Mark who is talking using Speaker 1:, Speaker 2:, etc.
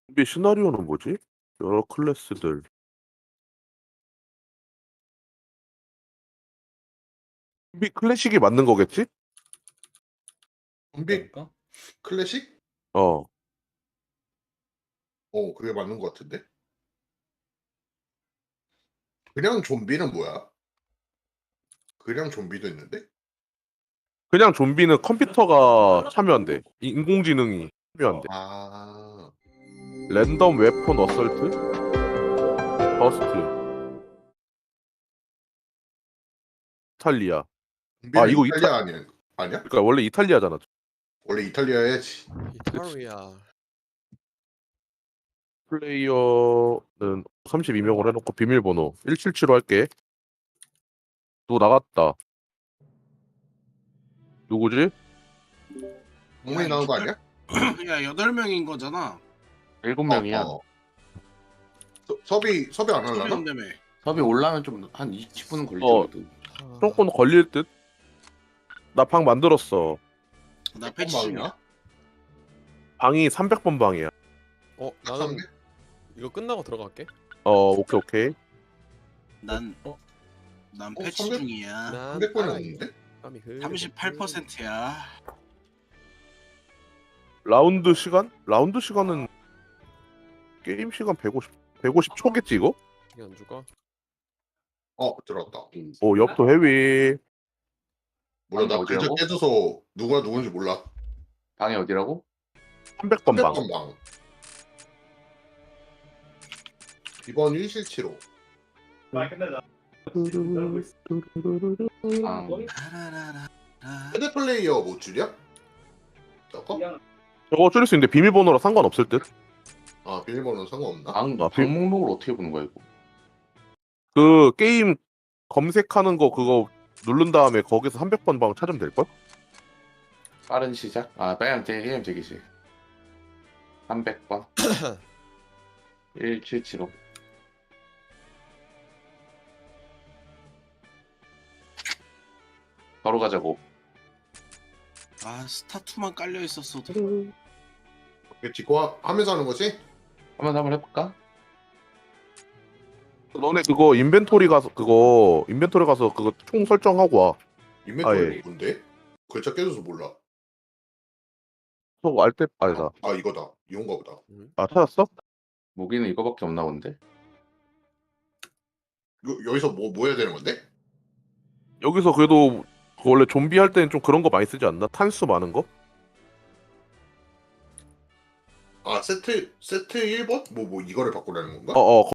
Speaker 1: 좀비 시나리오는 뭐지? 여러 클래스들. 좀비 클래식이 맞는 거겠지?
Speaker 2: 좀비
Speaker 3: 그럴까?
Speaker 2: 클래식?
Speaker 1: 어.
Speaker 2: 그게 맞는 것 같은데? 그냥 좀비는 뭐야? 그냥 좀비도 있는데?
Speaker 1: 그냥 좀비는 컴퓨터가 참여한대. 인공지능이 참여한대.
Speaker 2: 아,
Speaker 1: 랜덤 웨폰 어설트? 버스트. 이탈리아.
Speaker 2: 좀비는
Speaker 1: 이거
Speaker 2: 이탈리아 아니야?
Speaker 1: 그러니까 원래 이탈리아잖아.
Speaker 2: 원래 이탈리아야지.
Speaker 3: 이탈리아.
Speaker 1: 플레이어는 32명으로 해놓고 비밀번호 177로 할게. 누구 나갔다. 누구지?
Speaker 2: 동물이 나온 거 아니야?
Speaker 4: 야 8명인 거잖아.
Speaker 5: 7명이야.
Speaker 2: 섭이 안 하려나?
Speaker 4: 한다며.
Speaker 5: 섭이 올라면 좀 한 20분은 걸릴
Speaker 1: 어.
Speaker 5: 거거든.
Speaker 1: 조금 걸릴 듯? 나 방 만들었어.
Speaker 4: 나 패치 중이야.
Speaker 2: 방이야?
Speaker 1: 방이 300번 방이야.
Speaker 3: 나는 이거 끝나고 들어갈게.
Speaker 1: 오케이.
Speaker 4: 난 패치
Speaker 2: 300?
Speaker 4: 중이야.
Speaker 3: 난
Speaker 2: 300번이 없는데?
Speaker 4: 38%야.
Speaker 1: 라운드 시간은 게임 시간 150 초겠지 이거?
Speaker 3: 이게 안 죽어?
Speaker 2: 들어왔다.
Speaker 1: 엽도 헤비.
Speaker 2: 몰라, 나
Speaker 5: 방이
Speaker 2: 글자
Speaker 5: 어디라고?
Speaker 2: 깨져서 누가 누군지 몰라.
Speaker 5: 방이 어디라고?
Speaker 1: 300번 방.
Speaker 2: 300번 방. 이번 1실치로.
Speaker 5: 방.
Speaker 2: 헤드 플레이어 뭐 줄이야? 저거?
Speaker 1: 저거 줄일 수 있는데 비밀번호랑 상관없을 듯?
Speaker 2: 비밀번호는 상관없나?
Speaker 5: 방 목록을 어떻게 보는 거야 이거?
Speaker 1: 그 게임 검색하는 거 그거 누른 다음에 거기서 300번 방 찾으면 될걸?
Speaker 5: 빠른 시작? 빨리 게임 되기지. 300번. 1775. 바로 가자고.
Speaker 4: 스타2만 깔려 있었어도.
Speaker 2: 이게 짓고 하면서 하는 거지?
Speaker 5: 한번 해볼까?
Speaker 1: 너네 그거 인벤토리 가서 그거 총 설정하고 와.
Speaker 2: 인벤토리
Speaker 1: 예.
Speaker 2: 뭔데? 글자 깨져서 몰라.
Speaker 1: 그거 알때 아니다.
Speaker 2: 이거다. 이건가 보다.
Speaker 1: 찾았어?
Speaker 5: 무기는 이거밖에 없나 본데?
Speaker 2: 여기서 뭐 해야 되는 건데?
Speaker 1: 여기서 그래도 그 원래 좀비 할 때는 좀 그런 거 많이 쓰지 않나? 탄수 많은 거?
Speaker 2: 세트 1번? 이거를 바꾸라는 건가?
Speaker 1: 어